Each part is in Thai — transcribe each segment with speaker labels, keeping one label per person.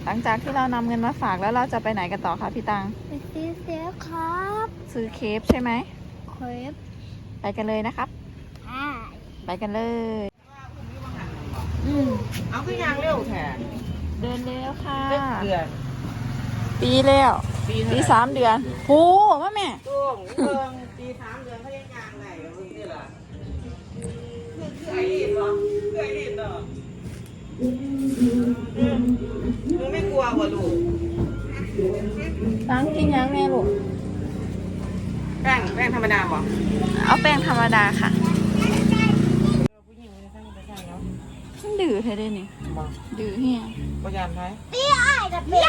Speaker 1: หลังจากที่เรานำเงินมาฝากแล้วเราจะไปไหนกันต่อคะพี่ตัง
Speaker 2: ไปซื้อเสื้อครับ
Speaker 1: ซื้อเคฟใช่ไหม
Speaker 2: เคฟ
Speaker 1: ไปกันเลยนะครับ
Speaker 2: อ่า
Speaker 1: ไปกันเลย
Speaker 3: เอาคือยางเร็วแท้
Speaker 1: เดินเร็วค่ะ
Speaker 3: เดือน
Speaker 1: ปีแล้ว
Speaker 3: ปี
Speaker 1: ปี3 เดือนโหว่าแม่
Speaker 3: ช่วงเพิ่งปี3 เดือนเขายังยางไหนเพิ่งนี่ล่ะคือไอ้ดินเหรอคือไอ้ดินเหรอมึงไม่กลัววะลูก
Speaker 1: ตังกินยังแม่ลูก
Speaker 3: แป้งธรรมดาป่ะ
Speaker 1: เอาแป้งธรรมดาค่ะ
Speaker 3: ผู้หญิงไม่ได้สร้างไม่ใช่เนาะ
Speaker 1: มันดื้อเท่ได้นี่
Speaker 3: บ่
Speaker 1: ดื้อเฮีย
Speaker 3: ก็ยานไหม
Speaker 2: พี่อ้ายกับเป็น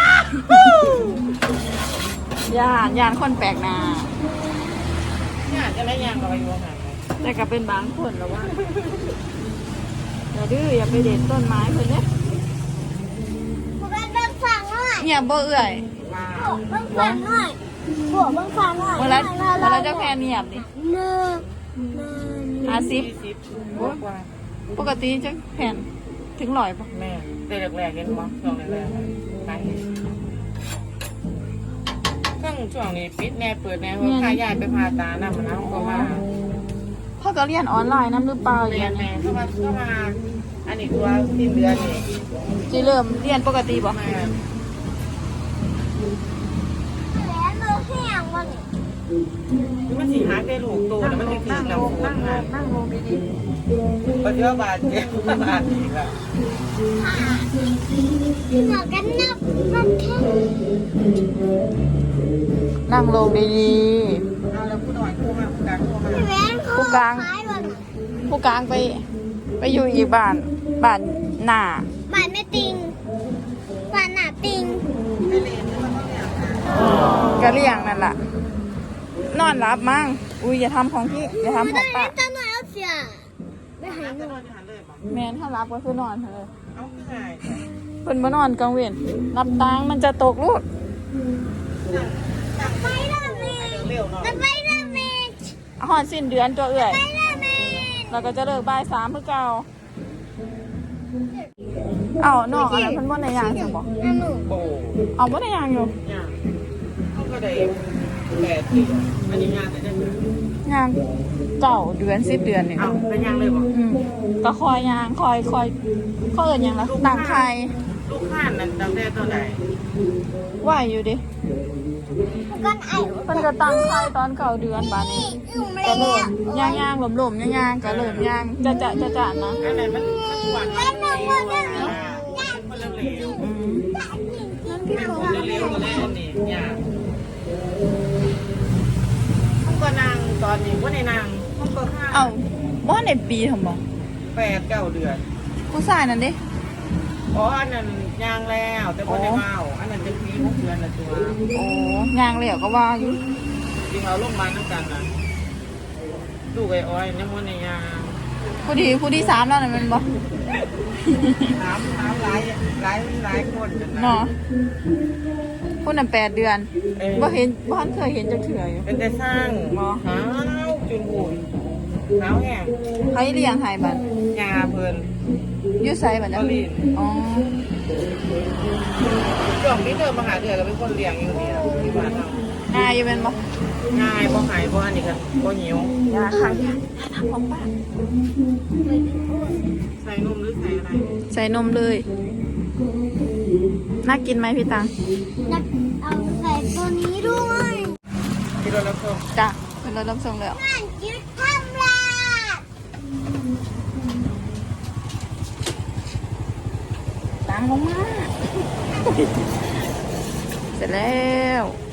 Speaker 1: ย่านคนแปลกหน้า
Speaker 3: เนี่ยจะได้ยางกับอายุห่างไหม
Speaker 1: แต่ก็เป็นบางคนแล้วว่าอย่าดื้ออย่าไปเด็ดต้นไม้เพิ่นเด้
Speaker 2: พวกเบิ้งฟังหน่อย
Speaker 1: เนี่ยบ่เอื่อย
Speaker 3: มา
Speaker 2: พวกเบิ้งฟังหน่อยพวกเบิ้งฟังหน่อย
Speaker 1: เวลาเจ้าแค่เนียบดิ
Speaker 2: เนื้อ
Speaker 1: 50
Speaker 3: 20กว่า
Speaker 1: ปกติจะแผ่นถึง100ป่ะ
Speaker 3: แม่แต่แรกๆเห็นมั้งช่วงแรกๆไปเครื่องช่วงนี้ปิดแน่เปิดแน่เพราะค่ายายไปพาตาหน้ามันน้ำก็มา
Speaker 1: พ่อก็เรียนออนไลน์นํหรือเปล่า
Speaker 3: เรียนแม่เข้ามาอันนี้ตัวสิ้นเดือนนี่
Speaker 1: สิเริ่มเรียนปกติบ่
Speaker 3: มา
Speaker 2: แล้วเนื้อแห้งวัน
Speaker 3: มันสิหาได้ลูกโตแล้วมันจะถึงน้ำฝนมา
Speaker 1: นั่งลงดี
Speaker 3: ปัจจุบันเจ็บบาดอีกอ่ะ
Speaker 2: หมอกันนับนับแค่
Speaker 1: ๆนั่งลงดี
Speaker 3: เอาแล้วผู้น้อยผู้มาผู้กลางผู้มา
Speaker 2: พี่แหวนเขาขายวัน
Speaker 1: ๆผู้กลางไปอยู่อีกบ้านหน้า
Speaker 2: บ้านแม่ติงบ้านหน้าติง
Speaker 3: ไอเรียนนี่มันต้องเนี่ย
Speaker 1: ก็เลี้ยงนั่นล่ะ นอนรับมั้งอุ้ยอย่าทำของพี่อย่าทำของป้า
Speaker 2: จะหน่อยเอาเสียไปหา
Speaker 3: จะ
Speaker 2: ห
Speaker 3: น
Speaker 2: นู
Speaker 3: อนที่หันเลยป่ะ
Speaker 1: แม่นถ้ารับก็คือนอนเถอะ
Speaker 3: เอาคือไง
Speaker 1: เพิ่นบ่นอนกลางเว้นรับตังค์มันจะตกลูก
Speaker 2: ไปละเม
Speaker 3: เร็วเนาะ
Speaker 2: ไปละเม
Speaker 1: ฮอดสิ้นเดือนตัวเอื่อย
Speaker 2: ไปละเม
Speaker 1: เราก็จะเลิกบ่าย3คือเก่าเอ้าน้องอะไรเพิ่นบ่ได้ย่างซั่นบ่
Speaker 2: นั่นหนู
Speaker 3: โอ้
Speaker 1: เอาบ่ได้ย่างอยู่
Speaker 3: ยางเขาก็ได้8 ปีอันนี้ยางแต่จะถึง
Speaker 1: ย่าง9 เดือน10 เดือนนี่
Speaker 3: เอาเป็นยางเลยป่ะ
Speaker 1: ก็คอยย่างคอยเขาเอิ้นหยังล่ะตั้งไข่
Speaker 3: ลูกข้านนั่นตั้งแต่ตัวไหน
Speaker 1: ไหวอยู่ดิ
Speaker 2: ก้อนไอ้
Speaker 1: เพิ่นก็ตั้งไข่ตอน9 เดือนบาดนี้ ก็เริ่มย่างๆหลมๆย่างๆก็เริ่มย่างจะนะ
Speaker 3: อันไหนมันหวานมันเร็วมันเร็ว
Speaker 1: อืม
Speaker 3: เป็นคนเร็วก็เลยอันนี้ยางเขาก็นางตอนนี้ว่าในนางเขาก็ห้า
Speaker 1: เอ้าบ่ทันได้ปีทำบ่
Speaker 3: 8 9 เดือน
Speaker 1: ผู้ชายนั่นดิ
Speaker 3: อ๋ออันนั้นยางแล้วแต่บ่ได้เมาอันนั้นจะปี6 เดือนละตัว
Speaker 1: โอ้ย่างแล้วก็ว่าอยู่
Speaker 3: ที่เขาลงมาน้ำกันนะลูกไอ้อ้อยยังมันในยาง
Speaker 1: ผู้ที่3แล้วนั่นแม่นบ่
Speaker 3: น้ำหลายคนนะ
Speaker 1: เนาะผู้นั้น8 เดือน
Speaker 3: เออ
Speaker 1: บ่ทันเคยเห็นจักเทื่ออยู่
Speaker 3: เป็นแต่สร้างหาวจนบุญหาวแห้ง
Speaker 1: ใครเลี้ยงให้บัด
Speaker 3: ยาเพิ่น
Speaker 1: อยู่ไสบัด
Speaker 3: ก็
Speaker 1: น่ะ
Speaker 3: ลีน
Speaker 1: อ๋อ
Speaker 3: ช่วงนี้เธอมาหาเดือก็เป็นคนเลี้ยงอยู่นี่ล่ะที่บ้านเรา
Speaker 1: ง่ายอยู่แม่นบ่
Speaker 3: ง่ายบ่หายบ่อันนี้กันบ่หิวย
Speaker 1: าค่ะยาทำของป้า
Speaker 3: ใส่นมหรือใส่อะไร
Speaker 1: ใส่นมเลยน่ากินไหมพี่ตัง
Speaker 2: นักเอาใส่ตัวนี้ด้วย
Speaker 3: ที่เรารับชม
Speaker 1: จ้ะเป็นรถรับส่งแล้ว
Speaker 2: นั่นยึดทำลาด
Speaker 1: ตังลงมา เสร็จแล้ว